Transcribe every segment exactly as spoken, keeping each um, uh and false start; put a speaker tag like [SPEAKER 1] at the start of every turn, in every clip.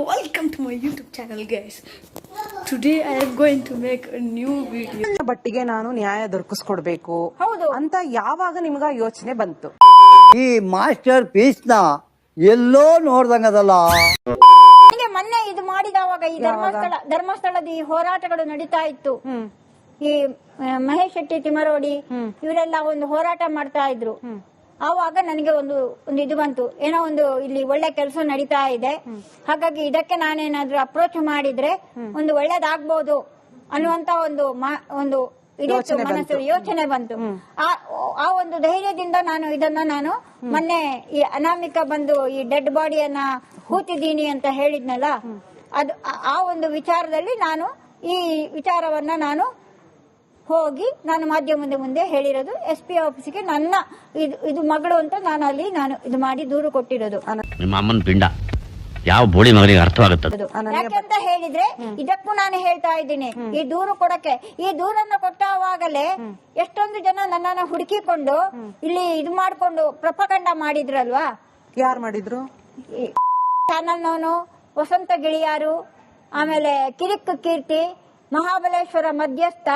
[SPEAKER 1] welcome to my YouTube channel, guys. Today I am going to make a new video.
[SPEAKER 2] ಬಟ್ಟಿಗೆ ನಾನು ನ್ಯಾಯ ದೊರಕಿಸ್ಕೊಡ್ಬೇಕು ಅಂತ ಯಾವಾಗ ನಿಮ್ಗ ಯೋಚನೆ ಬಂತು?
[SPEAKER 3] ಈ ಮಾಸ್ಟರ್ ಪೀಸ್ ನ ಎಲ್ಲೋ ನೋಡ್ದಂಗದಲ್ಲ.
[SPEAKER 4] ನನಗೆ ಮೊನ್ನೆ ಇದು ಮಾಡಿದವಾಗ ಈ ಧರ್ಮಸ್ಥಳ ಧರ್ಮಸ್ಥಳದ ಈ ಹೋರಾಟಗಳು ನಡೀತಾ ಇತ್ತು. ಈ ಮಹೇಶ್ ಶೆಟ್ಟಿ ತಿಮರೋಡಿ ಇವರೆಲ್ಲ ಒಂದು ಹೋರಾಟ ಮಾಡ್ತಾ ಇದ್ರು. ಆವಾಗ ನನಗೆ ಒಂದು ಒಂದು ಇದು ಬಂತು, ಏನೋ ಒಂದು ಇಲ್ಲಿ ಒಳ್ಳೆ ಕೆಲಸ ನಡೀತಾ ಇದೆ, ಹಾಗಾಗಿ ಇದಕ್ಕೆ ನಾನೇನಾದ್ರೂ ಅಪ್ರೋಚ್ ಮಾಡಿದ್ರೆ ಒಂದು ಒಳ್ಳೇದಾಗ್ಬೋದು ಅನ್ನುವಂತ ಒಂದು ಒಂದು ಮನಸ್ಸು ಯೋಚನೆ ಬಂತು. ಆ ಒಂದು ಧೈರ್ಯದಿಂದ ನಾನು ಇದನ್ನ ನಾನು ಮೊನ್ನೆ ಈ ಅನಾಮಿಕ ಬಂದು ಈ ಡೆಡ್ ಬಾಡಿಯನ್ನ ಹೂತಿದ್ದೀನಿ ಅಂತ ಹೇಳಿದ್ನಲ್ಲ, ಅದು ಆ ಒಂದು ವಿಚಾರದಲ್ಲಿ ನಾನು ಈ ವಿಚಾರವನ್ನ ನಾನು ಹೋಗಿ ನಾನು ಮಾಧ್ಯಮದ ಮುಂದೆ ಹೇಳಿರೋದು. ಎಸ್ ಪಿ ಆಫೀಸ್ಗೆ ನನ್ನ ಇದು ಇದು ಮಗಳು ಅಂತ ನಾನು ಅಲ್ಲಿ ನಾನು ಇದು ಮಾಡಿ ದೂರು ಕೊಟ್ಟಿರೋದು.
[SPEAKER 5] ನಿಮ್ಮ ಅಮ್ಮನ ಪಿಂಡ ಯಾವ ಬೋಳಿ ಮಗನಿಗೆ ಅರ್ಥವಾಗುತ್ತದೆ
[SPEAKER 4] ಯಾಕೆಂತ ಹೇಳಿದ್ರೆ ಇದಕ್ಕೂ ನಾನು ಹೇಳ್ತಾ ಇದ್ದೀನಿ, ಈ ದೂರು ಕೊಡಕ್ಕೆ ಈ ದೂರನ್ನ ಕೊಟ್ಟಾಗಲೇ ಎಷ್ಟೊಂದು ಜನ ನನ್ನನ್ನ ಹುಡುಕಿಕೊಂಡು ಇಲ್ಲಿ ಇದು ಮಾಡ್ಕೊಂಡು ಪ್ರಪಕಂಡ ಮಾಡಿದ್ರಲ್ವಾ.
[SPEAKER 2] ಯಾರು ಮಾಡಿದ್ರು?
[SPEAKER 4] ಚಾನಲ್ನವನು, ವಸಂತ ಗಿಳಿಯಾರು, ಆಮೇಲೆ ಕಿರಿಕ್ ಕೀರ್ತಿ, ಮಹಾಬಲೇಶ್ವರ ಮಧ್ಯಸ್ಥ.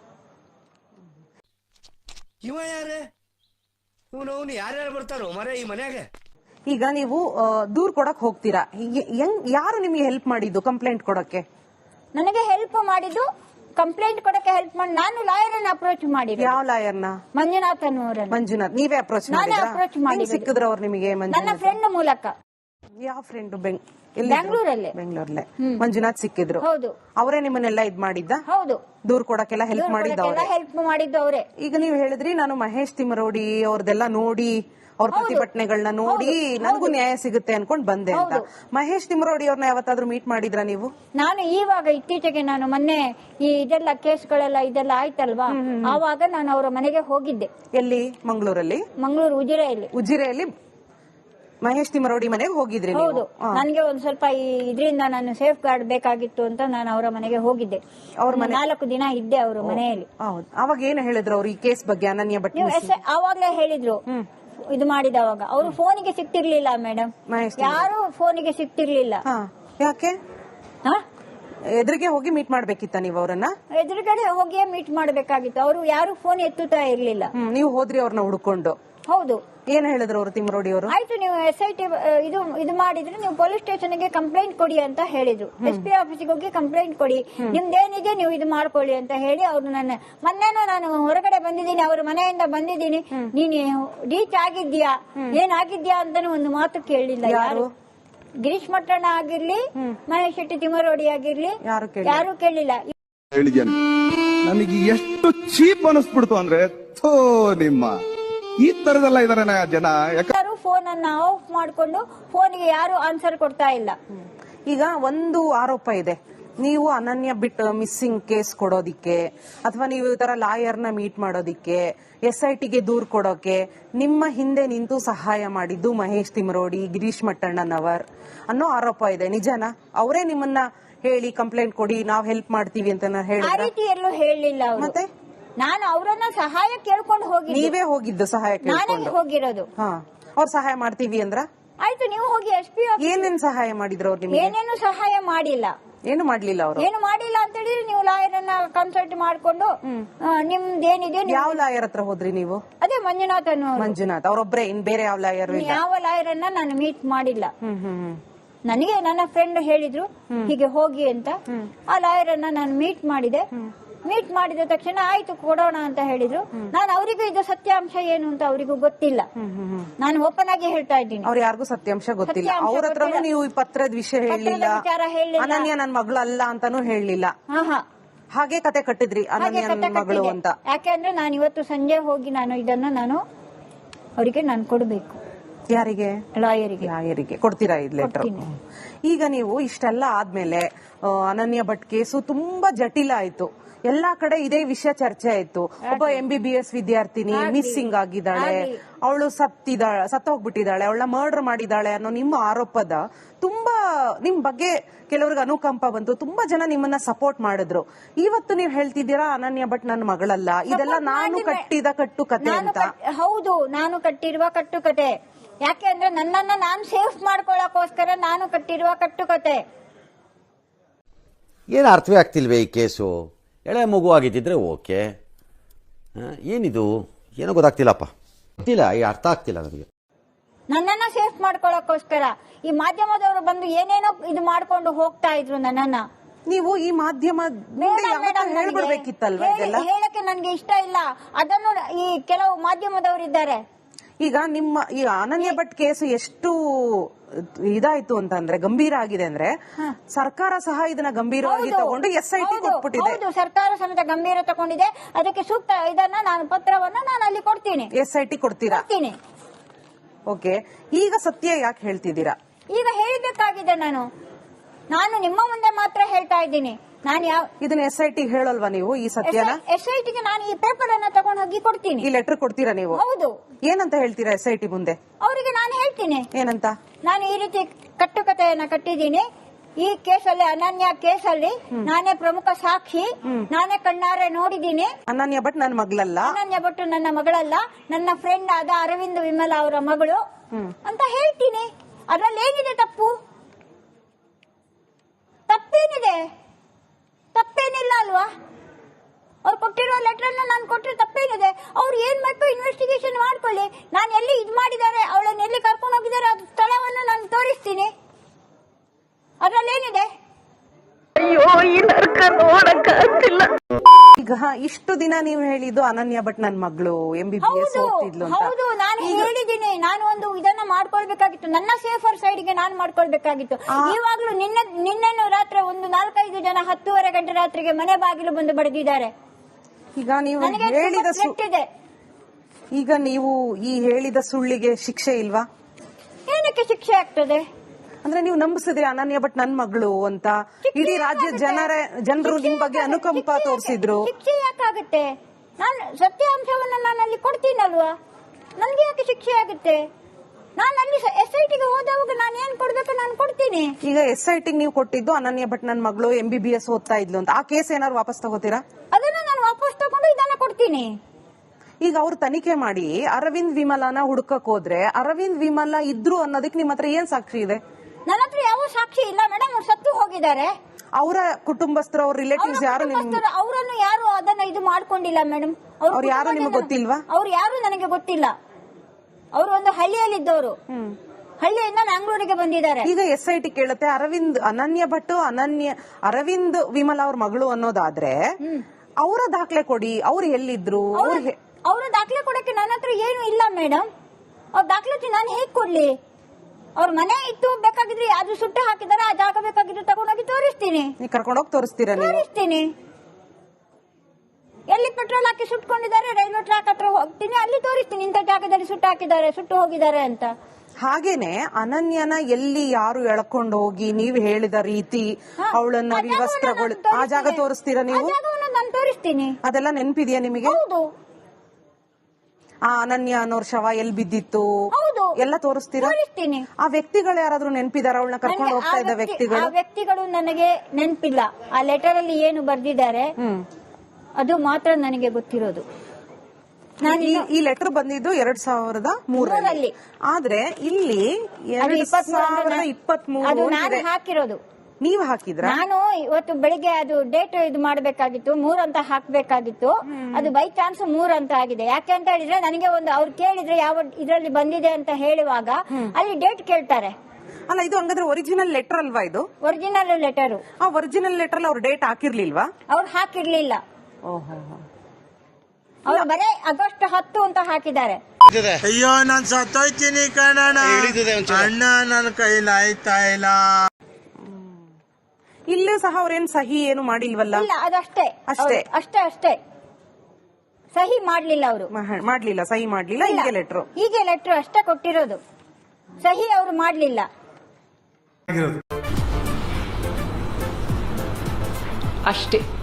[SPEAKER 6] ಇವ ಯಾರೇ ಇವನು ಯಾರ್ಯಾರು ಬರ್ತಾರೋ ಮರ ಈ ಮನ್ಯಾಗ?
[SPEAKER 2] ಈಗ ನೀವು ದೂರ್ ಕೊಡಕ್ ಹೋಗ್ತೀರಾ, ಯಾರು ನಿಮ್ಗೆ ಹೆಲ್ಪ್ ಮಾಡಿದ್ದು ಕಂಪ್ಲೇಂಟ್ ಕೊಡಕ್ಕೆ?
[SPEAKER 4] ನನಗೆ ಹೆಲ್ಪ್ ಮಾಡಿದ್ದು ಕಂಪ್ಲೇಂಟ್ ಕೊಡಕ್ಕೆ ಹೆಲ್ಪ್ ಮಾಡಿ ನಾನು ಲಾಯರ್ ಅನ್ನ ಅಪ್ರೋಚ್ ಮಾಡಿದ್ದೆ.
[SPEAKER 2] ಯಾವ ಲಾಯರ್ನ?
[SPEAKER 4] ಮಂಜುನಾಥ್ ಅನ್ನೋರನ್ನ.
[SPEAKER 2] ಮಂಜುನಾಥ್ ನೀವೇ ಅಪ್ರೋಚ್
[SPEAKER 4] ನಾನೇ ಅಪ್ರೋಚ್ ಮಾಡಿ
[SPEAKER 2] ಸಿಕ್ಕಿದ್ರ ಅವ್ರು ನಿಮಗೆ?
[SPEAKER 4] ನನ್ನ ಫ್ರೆಂಡ್ ಮೂಲಕ.
[SPEAKER 2] ಯಾವ ಫ್ರೆಂಡ್?
[SPEAKER 4] ಬೆಂಗಳೂರಲ್ಲೇ.
[SPEAKER 2] ಬೆಂಗಳೂರಲ್ಲೇ ಮಂಜುನಾಥ್ ಸಿಕ್ಕಿದ್ರು.
[SPEAKER 4] ಹೌದು.
[SPEAKER 2] ಅವರೇ ನಿಮ್ಮನ್ನೆಲ್ಲ ಇದ್ ಮಾಡಿದ್ದ?
[SPEAKER 4] ಹೌದು.
[SPEAKER 2] ದೂರ್ ಕೊಡಕ್ಕೆಲ್ಲ ಹೆಲ್ಪ್ ಮಾಡಿದ್ದ?
[SPEAKER 4] ಹೆಲ್ಪ್ ಮಾಡಿದ್ದು ಅವರೇ.
[SPEAKER 2] ಈಗ ನೀವು ಹೇಳಿದ್ರಿ ನಾನು ಮಹೇಶ್ ತಿಮರೋಡಿ ಅವ್ರದೆಲ್ಲ ನೋಡಿ ಅವ್ರ ಪ್ರತಿಭಟನೆಗಳನ್ನ ನೋಡಿ ನನಗೂ ನ್ಯಾಯ ಸಿಗುತ್ತೆ ಅನ್ಕೊಂಡ್ ಬಂದೆ ಅಂತ. ಮಹೇಶ್ ತಿಮರೋಡಿ ಅವ್ರನ್ನ ಯಾವತ್ತಾದ್ರೂ ಮೀಟ್ ಮಾಡಿದ್ರ ನೀವು?
[SPEAKER 4] ನಾನು ಇವಾಗ ಇತ್ತೀಚೆಗೆ ನಾನು ಮೊನ್ನೆ ಈ ಇದೆಲ್ಲ ಕೇಸ್ಗಳೆಲ್ಲ ಇದೆಲ್ಲ ಆಯ್ತಲ್ವಾ, ಆವಾಗ ನಾನು ಅವರ ಮನೆಗೆ ಹೋಗಿದ್ದೆ.
[SPEAKER 2] ಎಲ್ಲಿ? ಮಂಗಳೂರಲ್ಲಿ?
[SPEAKER 4] ಮಂಗಳೂರು ಉಜಿರೆಯಲ್ಲಿ.
[SPEAKER 2] ಉಜಿರೆಯಲ್ಲಿ ಮಹೇಶ್ ತಿಮರೋಡಿ ಮನೆಗೆ ಹೋಗಿದ್ರಿ?
[SPEAKER 4] ಹೌದು. ನನಗೆ ಒಂದ್ ಸ್ವಲ್ಪ ಈ ಇದರಿಂದ ನಾನು ಸೇಫ್ ಗಾರ್ಡ್ ಬೇಕಾಗಿತ್ತು ಅಂತ ನಾನು ಅವರ ಮನೆಗೆ ಹೋಗಿದ್ದೆ. ಅವ್ರ ನಾಲ್ಕು ದಿನ ಇದ್ದೆ ಅವರ ಮನೆಯಲ್ಲಿ.
[SPEAKER 2] ಅವಾಗ ಏನು ಹೇಳಿದ್ರು ಅವ್ರು ಈ ಕೇಸ್ ಬಗ್ಗೆ? ಅನನ್ಯ ಭಟ್
[SPEAKER 4] ಅವಾಗ್ಲೇ ಹೇಳಿದ್ರು ಇದು ಮಾಡಿದವಾಗ. ಅವರು ಫೋನಿಗೆ ಸಿಕ್ತಿರ್ಲಿಲ್ಲ ಮೇಡಮ್, ಯಾರು ಫೋನಿಗೆ ಸಿಕ್ತಿರ್ಲಿಲ್ಲ.
[SPEAKER 2] ಯಾಕೆ? ಎದುರಿಗೆ ಹೋಗಿ ಮೀಟ್ ಮಾಡ್ಬೇಕಿತ್ತ ನೀವು ಅವರನ್ನ?
[SPEAKER 4] ಎದುರುಗಡೆ ಹೋಗಿಯೇ ಮೀಟ್ ಮಾಡ್ಬೇಕಾಗಿತ್ತು. ಅವರು ಯಾರು ಫೋನ್ ಎತ್ತುತ್ತಾ ಇರ್ಲಿಲ್ಲ.
[SPEAKER 2] ನೀವು ಹೋದ್ರಿ ಅವ್ರನ್ನ ಹುಡ್ಕೊಂಡು?
[SPEAKER 4] ಹೌದು.
[SPEAKER 2] ಏನ್ ಹೇಳಿದ್ರು ಅವರು ತಿಮರೋಡಿ ಅವರು?
[SPEAKER 4] ಆಯ್ತು, ನೀವು ಎಸ್ ಐ ಟಿ ಇದು ಇದು ಮಾಡಿದ್ರೆ ನೀವು ಪೊಲೀಸ್ ಸ್ಟೇಷನ್ಗೆ ಕಂಪ್ಲೇಂಟ್ ಕೊಡಿ ಅಂತ ಹೇಳಿದ್ರು. ಎಸ್ ಪಿ ಆಫೀಸ್ಗೆ ಹೋಗಿ ಕಂಪ್ಲೇಂಟ್ ಕೊಡಿ, ನಿಮ್ದೇನಿದೆ ನೀವು ಇದು ಮಾಡ್ಕೊಳ್ಳಿ ಅಂತ ಹೇಳಿ ಅವ್ರು ನನ್ನ ಮೊನ್ನೆನೂ ನಾನು ಹೊರಗಡೆ ಬಂದಿದ್ದೀನಿ, ಅವ್ರ ಮನೆಯಿಂದ ಬಂದಿದ್ದೀನಿ, ನೀನು ರೀಚ್ ಆಗಿದ್ಯಾ ಏನಾಗಿದ್ಯಾ ಅಂತಾನು ಒಂದು ಮಾತು ಕೇಳಲಿಲ್ಲ ಯಾರು. ಗಿರೀಶ್ ಮಟ್ಟಣ್ಣ ಆಗಿರ್ಲಿ, ಮಹೇಶ್ ಶೆಟ್ಟಿ ತಿಮರೋಡಿ ಆಗಿರ್ಲಿ, ಯಾರು ಕೇಳಲಿಲ್ಲ.
[SPEAKER 7] ನಮಗೆ ಎಷ್ಟು ಚೀಪ್ ಅನಿಸ್ಬಿಡ್ತು ಅಂದ್ರೆ ಥೋ ನಿಮ್ಮ ಈ ತರದೆಲ್ಲ ಇದಾರೆ ಜನ.
[SPEAKER 4] ಯಾರು ಫೋನ್ ಅನ್ನ ಆಫ್ ಮಾಡ್ಕೊಂಡು ಫೋನ್ಗೆ ಯಾರು ಆನ್ಸರ್ ಕೊಡ್ತಾ ಇಲ್ಲ.
[SPEAKER 2] ಈಗ ಒಂದು ಆರೋಪ ಇದೆ, ನೀವು ಅನನ್ಯ ಬಿಟ್ ಮಿಸ್ಸಿಂಗ್ ಕೇಸ್ ಕೊಡೋದಿಕ್ಕೆ ಅಥವಾ ನೀವು ಈ ತರ ಲಾಯರ್ನ ಮೀಟ್ ಮಾಡೋದಿಕ್ಕೆ ಎಸ್ ಐ ಟಿಗೆ ದೂರ್ ಕೊಡೋಕೆ ನಿಮ್ಮ ಹಿಂದೆ ನಿಂತು ಸಹಾಯ ಮಾಡಿದ್ದು ಮಹೇಶ್ ತಿಮರೋಡಿ, ಗಿರೀಶ್ ಮಟ್ಟಣ್ಣನವರ್ ಅನ್ನೋ ಆರೋಪ ಇದೆ. ನಿಜನಾ? ಅವರೇ ನಿಮ್ಮನ್ನ ಹೇಳಿ ಕಂಪ್ಲೇಂಟ್ ಕೊಡಿ, ನಾವ್ ಹೆಲ್ಪ್ ಮಾಡ್ತೀವಿ ಅಂತ ಹೇಳಿ?
[SPEAKER 4] ಆ ರೀತಿ ಎಲ್ಲೂ ಹೇಳಲಿಲ್ಲ. ಮತ್ತೆ ನಾನು ಅವರನ್ನ ಸಹಾಯ ಕೇಳ್ಕೊಂಡು ಹೋಗಿ.
[SPEAKER 2] ನೀವೇ ಹೋಗಿದ್ದು ಸಹಾಯ ಕೇಳ್ಕೊಂಡು?
[SPEAKER 4] ಹೋಗಿರೋದು.
[SPEAKER 2] ಅವ್ರು ಸಹಾಯ ಮಾಡ್ತೀವಿ ಅಂದ್ರ?
[SPEAKER 4] ಆಯ್ತು, ನೀವು ಹೋಗಿ ಎಸ್ ಪಿ.
[SPEAKER 2] ಏನೇನ್ ಸಹಾಯ ಮಾಡಿದ್ರು ಅವ್ರು ನಿಮ್ಗೆ?
[SPEAKER 4] ಏನೇನು ಸಹಾಯ ಮಾಡಿಲ್ಲ.
[SPEAKER 2] ಏನು ಮಾಡ್ಲಿಲ್ಲ ಅವರು?
[SPEAKER 4] ಏನು ಮಾಡಿಲ್ಲ ಅಂತ ಹೇಳಿದ್ರೆ ನೀವು ಲಾಯರ್ ಅನ್ನ ಕನ್ಸಲ್ಟ್ ಮಾಡ್ಕೊಂಡು ನಿಮ್ದೇನಿದೆ.
[SPEAKER 2] ಯಾವ ಲಾಯರ್ ಹತ್ರ ಹೋದ್ರಿ ನೀವು?
[SPEAKER 4] ಅದೇ ಮಂಜುನಾಥ್ ಅನ್ನೋ.
[SPEAKER 2] ಮಂಜುನಾಥ್ ಅವರೊಬ್ರೆ, ಇನ್ ಬೇರೆ ಯಾವ ಲಾಯರ್?
[SPEAKER 4] ಯಾವ ಲಾಯರ್ ಅನ್ನ ನಾನು ಮೀಟ್ ಮಾಡಿಲ್ಲ. ನನಗೆ ನನ್ನ ಫ್ರೆಂಡ್ ಹೇಳಿದ್ರು ಹೀಗೆ ಹೋಗಿ ಅಂತ. ಆ ಲಾಯರ್ ಅನ್ನ ನಾನು ಮೀಟ್ ಮಾಡಿದೆ. ಮೀಟ್ ಮಾಡಿದ ತಕ್ಷಣ ಆಯ್ತು ಕೊಡೋಣ ಅಂತ ಹೇಳಿದ್ರು. ನಾನು ಅವರಿಗೂ ಇದು ಸತ್ಯಾಂಶ ಏನು ಅಂತ ಅವರಿಗೂ ಗೊತ್ತಿಲ್ಲ. ನಾನು ಓಪನ್ ಆಗಿ ಹೇಳ್ತಾ ಇದ್ದೀನಿ,
[SPEAKER 2] ಅವ್ರು ಯಾರಿಗೂ ಸತ್ಯಾಂಶ ಗೊತ್ತಿಲ್ಲ. ಅವ್ರ ಹತ್ರ ನೀವು ಈ ಪತ್ರದ ವಿಷಯ ಹೇಳಿಲ್ಲ, ಅನನ್ಯ ನನ್ನ ಮಗಳು ಅಲ್ಲ ಅಂತಾನು ಹೇಳಲಿಲ್ಲ. ಹಾಗೆ ಕತೆ ಕಟ್ಟಿದ್ರಿ ಅನನ್ಯ ಮಗಳು ಅಂತ.
[SPEAKER 4] ಯಾಕೆಂದ್ರೆ ನಾನು ಇವತ್ತು ಸಂಜೆ ಹೋಗಿ ನಾನು ಇದನ್ನ ನಾನು ಅವರಿಗೆ ನಾನು ಕೊಡಬೇಕು.
[SPEAKER 2] ಯಾರಿಗೆ?
[SPEAKER 4] ಲಾಯರಿಗೆ.
[SPEAKER 2] ಲಾಯರಿಗೆ ಕೊಡ್ತೀರಾ ಇದು ಲೆಟರ್? ಈಗ ನೀವು ಇಷ್ಟೆಲ್ಲ ಆದ್ಮೇಲೆ ಅನನ್ಯ ಭಟ್ ಕೇಸು ತುಂಬಾ ಜಟಿಲ ಆಯ್ತು, ಎಲ್ಲಾ ಕಡೆ ಇದೇ ವಿಷಯ ಚರ್ಚೆ ಆಯ್ತು. ಒಬ್ಬ ಎಂ ಬಿ ಬಿ ಎಸ್ ವಿದ್ಯಾರ್ಥಿನಿ ಮಿಸ್ಸಿಂಗ್ ಆಗಿದ್ದಾಳೆ, ಅವಳು ಸತ್ತಿದ್ದಾಳೆ, ಸತ್ತ ಹೋಗ್ಬಿಟ್ಟಿದ್ದಾಳೆ, ಅವಳನ್ನ ಮರ್ಡರ್ ಮಾಡಿದ್ದಾಳೆ ಅನ್ನೋ ನಿಮ್ಮ ಆರೋಪದ ತುಂಬಾ ನಿಮ್ ಬಗ್ಗೆ ಕೆಲವ್ರಿಗೆ ಅನುಕಂಪ ಬಂತು, ತುಂಬಾ ಜನ ನಿಮ್ಮನ್ನ ಸಪೋರ್ಟ್ ಮಾಡಿದ್ರು. ಇವತ್ತು ನೀವು ಹೇಳ್ತಿದ್ದೀರಾ ಅನನ್ಯ ಭಟ್ ನನ್ನ ಮಗಳಲ್ಲ, ಇದೆಲ್ಲ ನಾನು ಕಟ್ಟಿದ ಕಟ್ಟು ಕತೆ ಅಂತ.
[SPEAKER 4] ಹೌದು, ನಾನು ಕಟ್ಟಿರುವ ಕಟ್ಟುಕತೆ. ಯಾಕೆ ಅಂದ್ರೆ ನನ್ನನ್ನ ನಾನು ಸೇಫ್ ಮಾಡ್ಕೊಳ್ಳೋಕೋಸ್ಕರ ನಾನು ಕಟ್ಟಿರುವ ಕಟ್ಟುಕತೆ.
[SPEAKER 8] ಏನು ಅರ್ಥವೇ ಆಗ್ತಿಲ್ವೇ ಈ ಕೇಸು? ಎಳೆ ಮಗು ಆಗಿದ್ದಿದ್ರೆ ಓಕೆ, ಏನಿದು ಏನೋ ಗೊತ್ತಾಗ್ತಿಲ್ಲಪ್ಪ, ಗೊತ್ತಿಲ್ಲ, ಈ ಅರ್ಥ ಆಗ್ತಿಲ್ಲ ನನಗೆ.
[SPEAKER 4] ನನ್ನನ್ನ ಸೇಫ್ ಮಾಡ್ಕೊಳ್ಳೋಕೋಸ್ಕರ ಈ ಮಾಧ್ಯಮದವರು ಬಂದು ಏನೇನೋ ಇದು ಮಾಡ್ಕೊಂಡು ಹೋಗ್ತಾ ಇದ್ರು ನನ್ನನ್ನ.
[SPEAKER 2] ನೀವು ಈ ಮಾಧ್ಯಮ ಹೇಳ್ಬಿಡ್ಬೇಕಿತ್ತಲ್ವಾ ಇದೆಲ್ಲ?
[SPEAKER 4] ಹೇಳಕ್ಕೆ ನನ್ಗೆ ಇಷ್ಟ ಇಲ್ಲ. ಅದನ್ನು ಈ ಕೆಲವು ಮಾಧ್ಯಮದವರು ಇದ್ದಾರೆ.
[SPEAKER 2] ಈಗ ನಿಮ್ಮ ಈ ಅನನ್ಯ ಭಟ್ ಕೇಸು ಎಷ್ಟು ಇದಾಯ್ತು ಅಂತಂದ್ರೆ, ಗಂಭೀರ ಆಗಿದೆ ಅಂದ್ರೆ, ಸರ್ಕಾರ ಸಹ ಇದನ್ನ ಗಂಭೀರವಾಗಿ ತಗೊಂಡು ಎಸ್ ಐ ಟಿ ಕೊಟ್ಬಿಟ್ಟಿದೆ.
[SPEAKER 4] ಹೌದು, ಸರ್ಕಾರ ಸಮೇತ ಗಂಭೀರ ತಗೊಂಡಿದೆ. ಅದಕ್ಕೆ ಸೂಕ್ತ ಇದನ್ನ ನಾನು ಪತ್ರವನ್ನ ನಾನು ಅಲ್ಲಿ ಕೊಡ್ತೀನಿ.
[SPEAKER 2] ಎಸ್ ಐ ಟಿ ಕೊಡ್ತೀರಾ?
[SPEAKER 4] ಕೊಡ್ತೀನಿ.
[SPEAKER 2] ಓಕೆ, ಈಗ ಸತ್ಯ ಯಾಕೆ ಹೇಳ್ತಿದ್ದೀರಾ?
[SPEAKER 4] ಈಗ ಹೇಳ್ಬೇಕಾಗಿದೆ. ನಾನು ನಾನು ನಿಮ್ಮ ಮುಂದೆ ಮಾತ್ರ ಹೇಳ್ತಾ ಇದ್ದೀನಿ. ನಾನು ಯಾವ
[SPEAKER 2] ಇದನ್ನ ಎಸ್ ಐ ಟಿ ಹೇಳಲ್ವಾ ನೀವು ಈ ಸತ್ಯನ?
[SPEAKER 4] ಎಸ್ ಐ ಟಿಗೆ ನಾನು ಈ ಪೇಪರ್ ಅನ್ನ ತಗೊಂಡು ಹೋಗಿ ಕೊಡ್ತೀನಿ.
[SPEAKER 2] ಈ ಲೆಟರ್ ಕೊಡ್ತೀರಾ ನೀವು?
[SPEAKER 4] ಹೌದು.
[SPEAKER 2] ಏನಂತ ಹೇಳ್ತೀರಾ ಎಸ್ ಐ ಟಿ ಮುಂದೆ?
[SPEAKER 4] ಅವರಿಗೆ ನಾನು ಹೇಳ್ತೀನಿ.
[SPEAKER 2] ಏನಂತ?
[SPEAKER 4] ನಾನು ಈ ರೀತಿ ಕಟ್ಟುಕತೆಯನ್ನ ಕಟ್ಟಿದ್ದೀನಿ. ಈ ಕೇಸಲ್ಲಿ, ಅನನ್ಯ ಕೇಸಲ್ಲಿ ನಾನೇ ಪ್ರಮುಖ ಸಾಕ್ಷಿ. ನಾನೇ ಕಣ್ಣಾರೆ ನೋಡಿದ್ದೀನಿ.
[SPEAKER 2] ಅನನ್ಯ ಭಟ್ ನನ್ನ ಮಗಳಲ್ಲ.
[SPEAKER 4] ಅನನ್ಯ ಭಟ್ ನನ್ನ ಮಗಳಲ್ಲ, ನನ್ನ ಫ್ರೆಂಡ್ ಆದ ಅರವಿಂದ್ ವಿಮಲ ಅವರ ಮಗಳು ಅಂತ ಹೇಳ್ತೀನಿ. ಅದ್ರಲ್ಲಿ ಏನಿದೆ ತಪ್ಪು? ತಪ್ಪೇನಿದೆ? ತಪ್ಪೇನಿಲ್ಲ ಅಲ್ವಾ? ಅವ್ರು ಕೊಟ್ಟಿರೋ ಲೆಟರ್ ಅನ್ನ ನಾನು ಕೊಟ್ಟರೆ ತಪ್ಪೇನಿದೆ? ಅವ್ರು ಏನ್ ಬೇಕು ಇನ್ವೆಸ್ಟಿಗೇಷನ್ ಮಾಡ್ಕೊಳ್ಳಿ. ನಾನು ಎಲ್ಲಿ ಇದು ಮಾಡಿದ್ದಾರೆ, ಅವಳನ್ನ ಎಲ್ಲಿ ಕರ್ಕೊಂಡು ಹೋಗಿದ್ದಾರೆ, ಅದು ಸ್ಥಳವನ್ನು ನಾನು ತೋರಿಸ್ತೀನಿ. ಅದ್ರಲ್ಲೇನಿದೆ?
[SPEAKER 2] ಈಗ ಇಷ್ಟು ದಿನ ನೀವು ಹೇಳಿದ್ದು ಅನನ್ಯ ಭಟ್ ನನ್ನ ಮಗಳು, ಎಂ ಬಿ ಬಿ ಎಸ್ ಓದ್ತಿದ್ಲು ಅಂತ.
[SPEAKER 4] ಹೌದು, ನಾನು ಹೇಳಿದ್ದೀನಿ. ನಾನು ಒಂದು ಇದನ್ನ ಮಾಡ್ಕೊಳ್ಬೇಕಾಗಿತ್ತು, ನನ್ನ ಸೇಫರ್ ಸೈಡ್ ಗೆ ನಾನು ಮಾಡ್ಕೊಳ್ಬೇಕಾಗಿತ್ತು. ಇವಾಗ್ಲೂ ನಿನ್ನೆ ನಿನ್ನೆನು ರಾತ್ರಿ ಒಂದು ನಾಲ್ಕೈದು ಜನ ಹತ್ತೂವರೆ ಗಂಟೆ ರಾತ್ರಿಗೆ ಮನೆ ಬಾಗಿಲು ಬಂದು ಬಡಿದಿದ್ದಾರೆ.
[SPEAKER 2] ಈಗ ನೀವು ಹೇಳಿದ
[SPEAKER 4] ಇದೆ.
[SPEAKER 2] ಈಗ ನೀವು ಈ ಹೇಳಿದ ಸುಳ್ಳಿಗೆ ಶಿಕ್ಷೆ ಇಲ್ವಾ?
[SPEAKER 4] ಏನಕ್ಕೆ ಶಿಕ್ಷೆ ಆಗ್ತದೆ?
[SPEAKER 2] ಅಂದ್ರೆ ನೀವು ನಂಬಿಸಿದ್ರಿ ಅನನ್ಯ ಭಟ್ ನನ್ ಮಗಳು ಅಂತ, ಇಡೀ ರಾಜ್ಯದ ಜನರ ಜನರು ನಿಮ್ ಬಗ್ಗೆ ಅನುಕಂಪ ತೋರಿಸಿದ್ರು.
[SPEAKER 4] ಶಿಕ್ಷೆ ಯಾಕಾಗುತ್ತೆ? ನಾನು ಸತ್ಯಾಂಶವನ್ನ ನಾನು ಅಲ್ಲಿ ಕೊಡ್ತೀನಲ್ವಾ, ನನ್ಗೆ ಯಾಕೆ ಶಿಕ್ಷೆ ಆಗುತ್ತೆ? ನಾನು ಅಲ್ಲಿ ಎಸ್ ಐ ಟಿಗೆ ಹೋದವಾಗ ನಾನು ಏನ್ ಕೊಡ್ಬೇಕು ನಾನು ಕೊಡ್ತೀನಿ.
[SPEAKER 2] ಈಗ ಎಸ್ ಐ ಟಿಗೆ ನೀವು ಕೊಟ್ಟಿದ್ದು ಅನನ್ಯ ಭಟ್ ನನ್ ಮಗಳು ಎಂ ಬಿ ಬಿ ಎಸ್ ಓದ್ತಾ ಇದ್ಲು ಅಂತ, ಆ ಕೇಸ್ ಏನಾದ್ರು ವಾಪಸ್ ತಗೋತೀರಾ?
[SPEAKER 4] ಅದನ್ನ ನಾನು ವಾಪಸ್ ತಗೊಂಡು ಇದನ್ನ ಕೊಡ್ತೀನಿ.
[SPEAKER 2] ಈಗ ಅವ್ರು ತನಿಖೆ ಮಾಡಿ ಅರವಿಂದ್ ವಿಮಲನ ಹುಡುಕಕ್ ಹೋದ್ರೆ ಅರವಿಂದ್ ವಿಮಲ ಇದ್ರು ಅನ್ನೋದಕ್ಕೆ ನಿಮ್ಮ ಹತ್ರ ಏನ್ ಸಾಕ್ಷಿ ಇದೆ?
[SPEAKER 4] ನನ್ನ ಹತ್ರ ಯಾವ ಸಾಕ್ಷಿ ಇಲ್ಲ ಮೇಡಮ್. ಅವ್ರು ಸತ್ತು ಹೋಗಿದ್ದಾರೆ.
[SPEAKER 2] ಅವರ ಕುಟುಂಬಸ್ಥರು, ಅವ್ರ ರಿಲೇಟಿವ್ಸ್ ಯಾರು?
[SPEAKER 4] ಅವರನ್ನು ಯಾರು ಅದನ್ನ ಇದು ಮಾಡ್ಕೊಂಡಿಲ್ಲ ಮೇಡಮ್.
[SPEAKER 2] ಅವ್ರು ಯಾರು ನಿಮ್ಗೆ ಗೊತ್ತಿಲ್ವಾ?
[SPEAKER 4] ಅವ್ರು ಯಾರು ನನಗೆ ಗೊತ್ತಿಲ್ಲ. ಅವರು ಒಂದು ಹಳ್ಳಿಯಲ್ಲಿದ್ದವರು, ಹಳ್ಳಿಯಿಂದ ಮ್ಯಾಂಗ್ಳೂರಿಗೆ ಬಂದಿದ್ದಾರೆ.
[SPEAKER 2] ಈಗ ಎಸ್ ಐ ಟಿ ಕೇಳುತ್ತೆ ಅರವಿಂದ್ ಅನನ್ಯ ಭಟ್ ಅನನ್ಯ ಅರವಿಂದ್ ವಿಮಲ ಅವ್ರ ಮಗಳು ಅನ್ನೋದಾದ್ರೆ ಅವರ ದಾಖಲೆ ಕೊಡಿ. ಅವ್ರು ಎಲ್ಲಿದ್ರು?
[SPEAKER 4] ಅವರ ದಾಖಲೆ ಕೊಡಕ್ಕೆ ನನ್ನ ಹತ್ರ ಏನು ಇಲ್ಲ ಮೇಡಮ್. ಅವ್ರ ದಾಖಲಾತಿ ನಾನು ಹೇಗ್ ಕೊಡ್ಲಿ? ಅವ್ರ ಮನೆ ಇತ್ತು, ಬೇಕಾಗಿದ್ರೆ ಅದು ಸುಟ್ಟು ಹಾಕಿದಾರೆ, ಆ ಜಾಗ ಬೇಕಾಗಿದ್ರೆ ತಗೊಂಡೋಗಿ ತೋರಿಸ್ತೀನಿ.
[SPEAKER 2] ಕರ್ಕೊಂಡೋಗಿ ತೋರಿಸ್ತೀರಾ?
[SPEAKER 4] ತೋರಿಸ್ತೀನಿ. ಎಲ್ಲಿ ಪೆಟ್ರೋಲ್ ಹಾಕಿ ಸುಟ್ಕೊಂಡಿದ್ದಾರೆ, ರೈಲ್ವೆ ಟ್ರ್ಯಾಕ್ ಹತ್ರ ಹೋಗ್ತೀನಿ, ಅಲ್ಲಿ ತೋರಿಸ್ತೀನಿ ಇಂಥ ಜಾಗದಲ್ಲಿ ಸುಟ್ಟು ಹಾಕಿದ್ದಾರೆ, ಸುಟ್ಟು ಹೋಗಿದ್ದಾರೆ ಅಂತ.
[SPEAKER 2] ಹಾಗೇನೆ ಅನನ್ಯನ ಎಲ್ಲಿ ಯಾರು ಎಳ್ಕೊಂಡು ಹೋಗಿ ನೀವು ಹೇಳಿದ ರೀತಿ ಅವಳನ್ನ ವಿವಸ್ತ್ರಗಳು, ಆ ಜಾಗ ತೋರಿಸ್ತೀರಾ ನೀವು?
[SPEAKER 4] ನಾನು ತೋರಿಸ್ತೀನಿ.
[SPEAKER 2] ಅದೆಲ್ಲ ನೆನಪಿದೆಯಾ ನಿಮಗೆ?
[SPEAKER 4] ಹೌದು.
[SPEAKER 2] ಆ ಅನನ್ಯ ಅನ್ನೋರ್ ಶವ ಎಲ್ಲಿ ಬಿದ್ದಿತ್ತು ಎಲ್ಲ ತೋರಿಸ್ತೀರಾ?
[SPEAKER 4] ತೋರಿಸ್ತೀನಿ.
[SPEAKER 2] ಆ ವ್ಯಕ್ತಿಗಳು ಯಾರಾದ್ರೂ ನೆನಪಿದಾರ? ಅವಳನ್ನ ಕರ್ಕೊಂಡು ಹೋಗ್ತಾ ಇದ್ದ ವ್ಯಕ್ತಿಗಳು?
[SPEAKER 4] ಆ ವ್ಯಕ್ತಿಗಳು ನನಗೆ ನೆನಪಿಲ್ಲ. ಆ ಲೆಟರ್ ಅಲ್ಲಿ ಏನು ಬರ್ದಿದ್ದಾರೆ ಅದು ಮಾತ್ರ ನನಗೆ ಗೊತ್ತಿರೋದು.
[SPEAKER 2] ಈ ಲೆಟರ್ ಬಂದಿದ್ದು ಎರಡ್ ಸಾವಿರದ ಮೂರರಲ್ಲಿ, ಆದ್ರೆ ಇಲ್ಲಿ ಎರಡ್ ಸಾವಿರದ ಇಪ್ಪತ್ತ್ ಮೂರು
[SPEAKER 4] ನಾನು ಹಾಕಿರೋದು.
[SPEAKER 2] ನೀವು ಹಾಕಿದ್ರ?
[SPEAKER 4] ನಾನು ಇವತ್ತು ಬೆಳಿಗ್ಗೆ ಅದು ಡೇಟ್ ಇದು ಮಾಡಬೇಕಾಗಿತ್ತು, ಮೂರ್ ಅಂತ ಹಾಕ್ಬೇಕಾಗಿತ್ತು. ಅದು ಬೈ ಚಾನ್ಸ್ ಮೂರ್ ಅಂತ ಆಗಿದೆ. ಯಾಕೆ ಅಂತ ಹೇಳಿದ್ರೆ ನನಗೆ ಒಂದು ಅವ್ರು ಕೇಳಿದ್ರೆ ಯಾವ ಇದ್ರಲ್ಲಿ ಬಂದಿದೆ ಅಂತ ಹೇಳುವಾಗ ಅಲ್ಲಿ ಡೇಟ್ ಕೇಳ್ತಾರೆ.
[SPEAKER 2] ಅಲ್ಲ, ಇದು ಹಂಗಾದ್ರೆ ಒರಿಜಿನಲ್ ಲೆಟರ್ ಅಲ್ವಾ? ಇದು
[SPEAKER 4] ಒರಿಜಿನಲ್ ಲೆಟರ್.
[SPEAKER 2] ಆ ಒರಿಜಿನಲ್ ಲೆಟರ್ ಅಲ್ಲಿ ಅವ್ರು ಡೇಟ್ ಹಾಕಿರ್ಲಿಲ್ವಾ?
[SPEAKER 4] ಅವ್ರು ಹಾಕಿರ್ಲಿಲ್ಲ. ಅವ್ರು ಬರೇ ಆಗಸ್ಟ್ ಹತ್ತು ಅಂತ ಹಾಕಿದ್ದಾರೆ.
[SPEAKER 6] ಅಯ್ಯೋ ನಾನ್ ಸತ್ತೋಯ್ತೀನಿ ಕಣಣ್ಣ, ಅಣ್ಣ ನನ್ನ ಕೈಲಾಯ್ತಾ ಇಲ್ಲ.
[SPEAKER 2] ಇಲ್ಲೂ ಸಹ ಅವ್ರೇನ್ ಸಹಿ ಏನು ಮಾಡಿಲ್ವಲ್ಲ?
[SPEAKER 4] ಇಲ್ಲ, ಅದಷ್ಟೇ
[SPEAKER 2] ಅಷ್ಟೇ
[SPEAKER 4] ಅಷ್ಟೇ ಅಷ್ಟೇ ಸಹಿ ಮಾಡ್ಲಿಲ್ಲ. ಅವರು
[SPEAKER 2] ಮಾಡ್ಲಿಲ್ಲ, ಸಹಿ ಮಾಡ್ಲಿಲ್ಲ. ಹೀಗೆ ಲೆಟ್ರು
[SPEAKER 4] ಹೀಗೆ ಲೆಟ್ರು ಅಷ್ಟೇ ಕೊಟ್ಟಿರೋದು, ಸಹಿ ಅವರು ಮಾಡ್ಲಿಲ್ಲ
[SPEAKER 9] ಅಷ್ಟೇ.